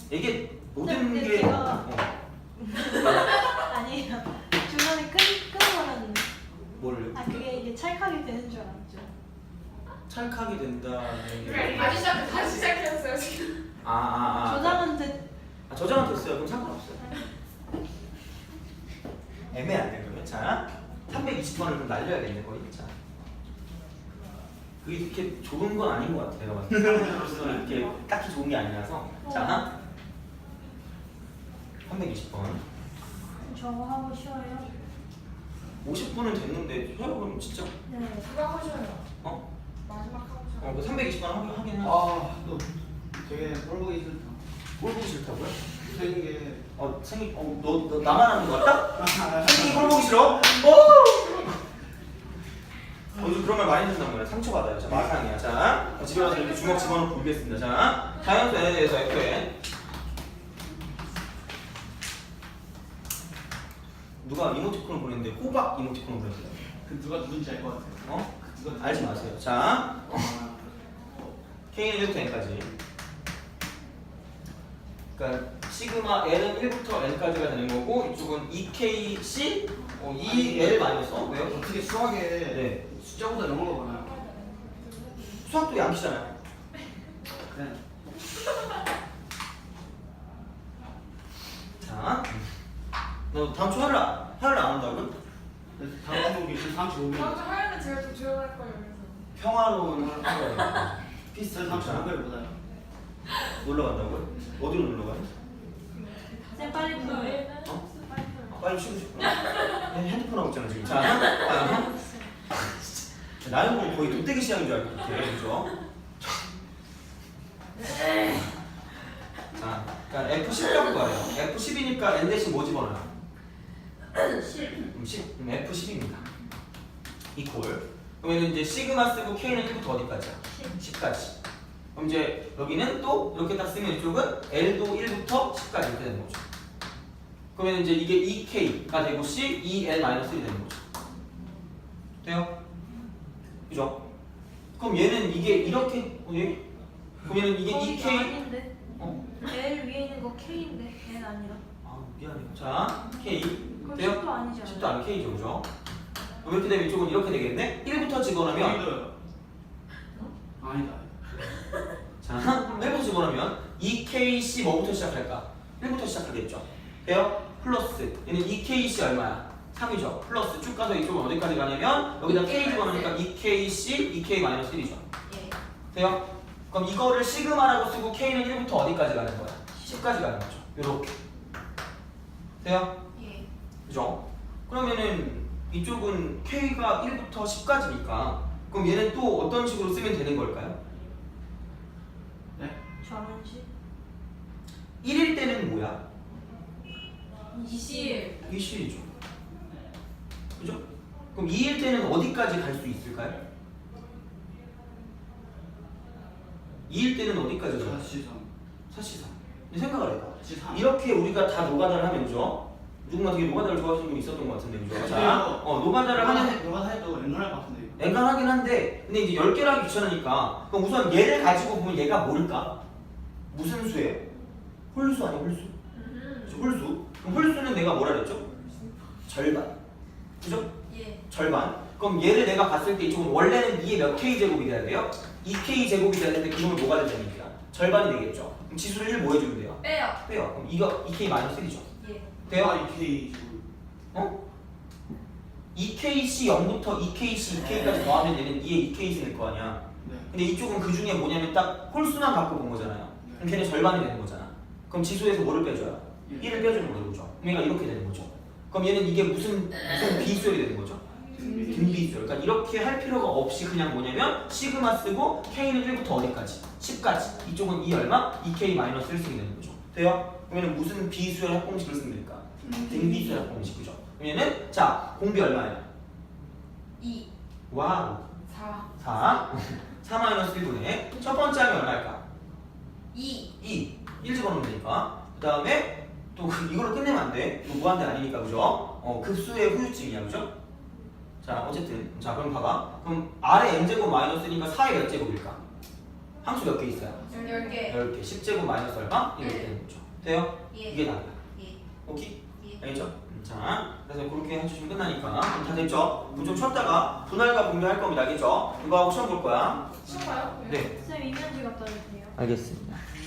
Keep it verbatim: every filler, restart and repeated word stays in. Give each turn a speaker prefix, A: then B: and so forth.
A: 이게 모든
B: 근데
A: 게
B: 제가-
A: 어.
B: 아니에요. 중간에 끊 끊어버렸는데.
A: 뭐를
B: 아 그게 이게 찰칵이 되는 줄 알았죠.
A: 찰칵이 된다는 게
C: 그래 다시 시작 다시 시작했어요 지금.
A: 아, 아, 아.
B: 저장은 됐.
A: 아, 저장은 됐어요. 그럼 상관없어요. 애매한데 그러면 자 삼백이십 번을 좀 날려야겠네 거의. 자 그게 이렇게 좋은 건 아닌 것 같아 내가 봤을 때. 삼백으로서는 이렇게 딱히 좋은 게 아니라서 자 삼백이십 번
B: 저거 하고 쉬어요.
A: 오십 분은 됐는데 해요 그럼 진짜
B: 네.
C: 누가 하셔요?
A: 어?
C: 마지막 하셔요.
A: 어, 그 삼백이십 번 하긴 하긴 해.
D: 아, 너 되게 꼴 보기 싫다.
A: 뭘 보기 싫다고요?
D: 생긴 게.
A: 어 생기 어 너 너 나만 하는 거 같다? 생기 뭘 보기 싫어? 어! 어, 요즘 그런 말 많이 듣는단 말이야. 상처받아요. 자, 마상이야. 자, 집에 가서 이렇게 주먹 집어넣고 울겠습니다. 자, 자연수 n에 대해서 fn. 누가 이모티콘을 보냈는데 호박 이모티콘을 보냈어요.
D: 그 누가 누군지 알 것 같아요.
A: 어?
D: 그거
A: 알지 마세요. 자,
D: 아,
A: k는 일부터 n까지. 그러니까 시그마 n은 일부터 n까지가 되는 거고 이쪽은 이케이씨 어, 이 엘 마이너스 어, 왜요?
D: 어떻게 수학에
A: 네.
D: 숫자보다 영어가 많아요?
A: 수학도 양키잖아요.
D: 그냥
A: 자, 너 다음 주 화요일 화요일 안 한다고요?
D: 그래서 다음 종목이 지금 다음 주
C: 다음
D: 오면
C: 주 화요일은 제가 좀 조용할 거예요 그래서.
A: 평화로운 하루가
D: 피스트 다음 주 목요일 보다요.
A: 놀러 간다고요? 어디로 놀러 가요?
B: 쌤 빨리 풀어요.
A: 어?
B: 빨리 풀어요.
A: 아, 빨리 쉬고 싶구나. 핸드폰 하고 있잖아 지금. 자, 아, 나는 뭐 거의 돈떼기 시장인 줄 알고 이렇게 그죠? 자, 그러니까 에프 십 갖고 가요. 에프 십이니까 n 대신 뭐 집어넣어요?
B: 십.
A: 그럼 십, 그럼 에프 십입니다. 이퀄. 그러면 이제 시그마 쓰고 k는 일부터 어디까지야? 십까지. 그럼 이제 여기는 또 이렇게 딱 쓰면 이쪽은 L도 일부터 십까지 이렇게 되는 거죠. 그러면 이제 이게 이케이가 되고 C, 이 엘 마이너스 일이 되는 거죠. 돼요? 그죠? 그럼 얘는 이게 이렇게 어, 얘? 그럼 얘는 이게
B: 거의
A: 이케이
B: 아닌데.
A: 어?
B: L 위에 있는 거 K인데 L 아니라.
A: 아 미안해요. 자, K
B: 그럼
A: 돼요?
B: 십도 아니지 않아요?
A: 십도 안 K죠, 그죠? 그럼 이렇게 되면 이쪽은 이렇게 되겠네? 일부터 집어넣으면
D: 아니다. 아니다.
A: 자, 일부터 집어넣으면 이케이씨 뭐부터 시작할까? 일부터 시작하겠죠. 돼요? 플러스 얘는 이케이씨 얼마야? 삼이죠. 플러스 쭉 가서 이쪽은 어디까지 가냐면 여기다 K 집어넣으니까 이케이씨, 이케이 마이너스 일이죠.
B: 예.
A: 돼요? 그럼 이거를 시그마라고 쓰고 K는 일부터 어디까지 가는 거야? 십까지 가는 거죠. 요렇게. 돼요?
B: 예.
A: 그죠? 그러면은 이쪽은 K가 일부터 십까지니까 그럼 얘는 또 어떤 식으로 쓰면 되는 걸까요?
D: 네?
B: 전원식.
A: 일일 때는 뭐야?
B: 이십.
A: 이십이죠. 그죠? 그럼 이일 때는 어디까지 갈 수 있을까요? 이일 때는 어디까지 가요?
D: 사시삼.
A: 사실상. 근데 생각을 해봐.
D: 사시삼.
A: 이렇게 우리가 다 노가다를 하면 그죠? 누군가 되게 노가다를 좋아하시는 분 있었던 것 같은데 그죠? 자, 어, 노가다를 하는
D: 너가 해도 앵간할 것 같은데 이거.
A: 앵간하긴 한데 근데 이제 열 개를 하기 귀찮으니까 그럼 우선 얘를 가지고 보면 얘가 뭘까? 무슨 수예요? 홀수 아니야 홀수? 그죠? 홀수. 그럼 홀수는 내가 뭐라 그랬죠? 절반. 그죠?
B: 예.
A: 절반. 그럼 얘를 내가 봤을 때 이쪽은 원래는 이의 몇 k 제곱이 돼야 돼요? 이 케이 제곱이 되는데 그놈을 뭐가 된다는 얘기야? 절반이 되겠죠. 그럼 지수를 일 뭐 해주면 돼요?
C: 빼요.
A: 빼요. 그럼 이거 이 케이 마이너스 일이죠.
B: 예.
A: 돼요?
D: 아, 이 K 지금.
A: 어? 이케이씨 영부터 이케이씨 이케이까지 더하면 얘는 이의 이케이씨 될 거 아니야.
D: 네.
A: 근데 이쪽은 그 중에 뭐냐면 딱 홀수만 갖고 본 거잖아요. 그럼 걔는 절반이 되는 거잖아. 그럼 지수에서 뭐를 빼줘요? 일을 빼주는 거죠. 그죠? 그럼 얘가 이렇게 되는 거죠. 그럼 얘는 이게 무슨 무슨 비수열이 되는 거죠? 등비수열. 그러니까 이렇게 할 필요가 없이 그냥 뭐냐면 시그마 쓰고 K는 일부터 어디까지? 십까지. 이쪽은 이 얼마? 이케이 마이너스 일 쓰게 되는 거죠. 돼요? 그러면 무슨 비수열 합공식을 쓰면 될까? 등비수열 합공식. 그죠? 그러면은 자 공비 얼마예요?
B: 이.
A: 와우.
C: 사.
A: 사. 사 마이너스 일분의 첫 번째 하면 얼마일까?
B: 이.
A: 이. 일 집어넣으면 되니까. 그 다음에 또 이걸로 끝내면 안 돼. 이거 무한대 아니니까 그죠? 어, 급수의 후유증이야 그죠? 자 어쨌든 자 그럼 봐봐. 그럼 R의 n제곱 마이너스니까 사의 몇 제곱일까? 항수 몇 개 있어요?
B: 열 개.
A: 열 개. 십 제곱 마이너스 얼마? 이렇게
B: 예.
A: 되는 거죠. 돼요?
B: 예.
A: 이게 답이야.
B: 예.
A: 오케이?
B: 예.
A: 알겠죠? 음, 자, 그래서 그렇게 해주시면 끝나니까. 그럼 다 됐죠? 그럼 좀 쉬었다가 분할과 분배할 겁니다. 알겠죠? 이거 하고 시험 볼 거야.
C: 쉬운가요?
A: 네.
B: 쌤 이면지 갖다 주세요.
A: 알겠습니다.